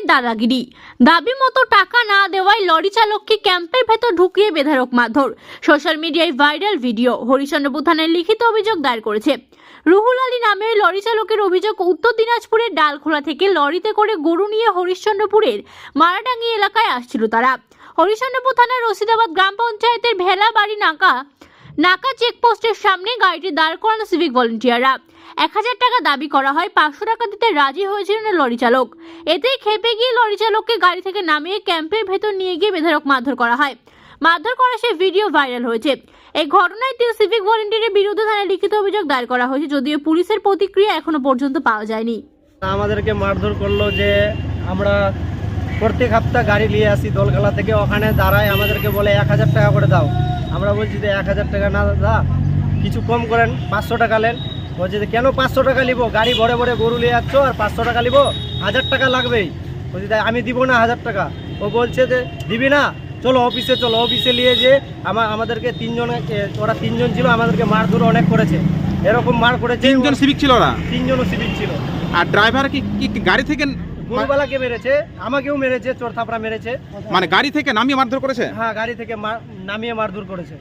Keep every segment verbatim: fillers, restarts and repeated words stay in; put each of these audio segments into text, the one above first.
চালকের দাদাগিরি। দাবি মতো টাকা না দেওয়ায় লরি চালককে ক্যাম্পের ভেতর ঢুকিয়ে বেধড়ক মারধর। সোশ্যাল মিডিয়ায় ভাইরাল ভিডিও। হরিচন্দ্রপুর থানায় লিখিত অভিযোগ দায়ের করেছে রুহুল আলী নামে ওই লরি চালকের অভিযোগ, উত্তর দিনাজপুরের ডালখোলা থেকে লরিতে করে গরু নিয়ে হরিশ্চন্দ্রপুরের মারাডাঙ্গি এলাকায় আসছিল তারা। হরিচন্দ্রপুর থানার রশিদাবাদ গ্রাম পঞ্চায়েতের ভেলাবাড়ি নাকা নাকা চেকপোস্টের সামনে গাড়িটি দাঁড় করানো সিভিক ভলেন্টিয়াররা। এক হাজার টাকা দাবি করা হয়, পাঁচশো টাকা দিতে রাজি হয়েছিলেন লরি চালক। এতেই খেপে গিয়ে লরি চালককে গাড়ি থেকে নামিয়ে ক্যাম্পের ভেতর নিয়ে গিয়ে বেধড়ক মারধর করা হয়। মারধর করা সেই ভিডিও ভাইরাল হয়েছে। এই ঘটনায় তিন সিভিক ভলেন্টিয়ারের বিরুদ্ধে থানায় লিখিত অভিযোগ দায়ের করা হয়েছে, যদিও পুলিশের প্রতিক্রিয়া এখনো পর্যন্ত পাওয়া যায়নি। আমাদেরকে মারধর করলো যে আমরা প্রত্যেক সপ্তাহ গাড়ি নিয়ে আসি দোলখালা থেকে, ওখানে দাঁড়ায় আমাদেরকে বলে এক হাজার টাকা করে দাও। আমরা বলছি যে এক হাজার টাকা না দাদা, কিছু কম করেন, পাঁচশো টাকা নেন। বলছে যে কেন পাঁচশো টাকা নিব, গাড়ি বড়ে বড়ে গরু নিয়ে যাচ্ছ আর পাঁচশো টাকা নিব, হাজার টাকা লাগবেই। বলছি তাই আমি দিব না হাজার টাকা। ও বলছে যে দিবি না, চলো অফিসে চলো। অফিসে নিয়ে যে আমার আমাদেরকে তিনজন, ওরা তিনজন ছিল, আমাদেরকে মারধর অনেক করেছে। এরকম মার করেছে। তিনজন সিভিক ছিল ওরা? তিনজনও সিভিক ছিল। আর ড্রাইভার কি কি গাড়ি থেকে গরুবালাকে মেরেছে, আমাকেও মেরেছে, চোর থাপড়া মেরেছে। মানে গাড়ি থেকে নামিয়ে মারধর করেছে? হ্যাঁ, গাড়ি থেকে নামিয়ে মারধর করেছে।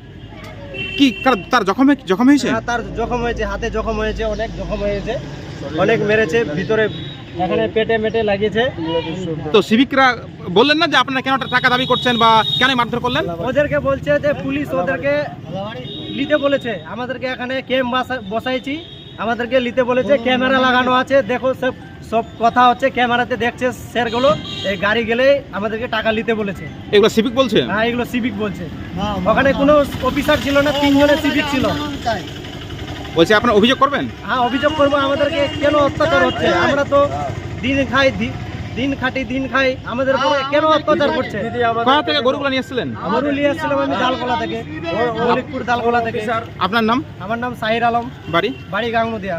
কি তার জখম জখম হয়েছে? হ্যাঁ, তার জখম হয়েছে, হাতে জখম হয়েছে, অনেক জখম হয়েছে, অনেক মেরেছে, ভিতরে এখানে পেটে মেটে লাগিয়েছে। তো সিভিকরা বললেন না যে আপনারা কেন টাকা দাবি করছেন বা কেন মারধর করলেন? ওদেরকে বলছে যে পুলিশ ওদেরকে নিতে বলেছে, আমাদেরকে এখানে ক্যাম্প বসাইছি, আমাদেরকে নিতে বলেছে, ক্যামেরা লাগানো আছে, দেখো সব সব কথা হচ্ছে, ক্যামেরাতে দেখছে স্যারগুলো। এই গাড়ি গেলে আমাদেরকে টাকা নিতে বলেছে। এগুলো সিভিক বলছে? হ্যাঁ, এগুলো সিভিক বলছে। ওখানে কোনো অফিসার ছিল না, তিনজনের সিভিক ছিল। বলছে আপনারা অভিযোগ করবেন? হ্যাঁ, অভিযোগ করবো। আমাদেরকে কেন অত্যাচার হচ্ছে? আমরা তো দিন খাই, দিন খাটি, দিন খাই, আমাদের উপরে কেন অত্যাচার করছে? কোথা থেকে গরুগুলো নিয়ে এসেছিলেন? গরু নিয়ে এসেছিলাম আমি ডালখোলা থেকে, মলিকপুর ডালখোলা থেকে। আপনার নাম? আমার নাম সাহির আলম, বাড়ি? বাড়ি গাঙ্গুদিয়া।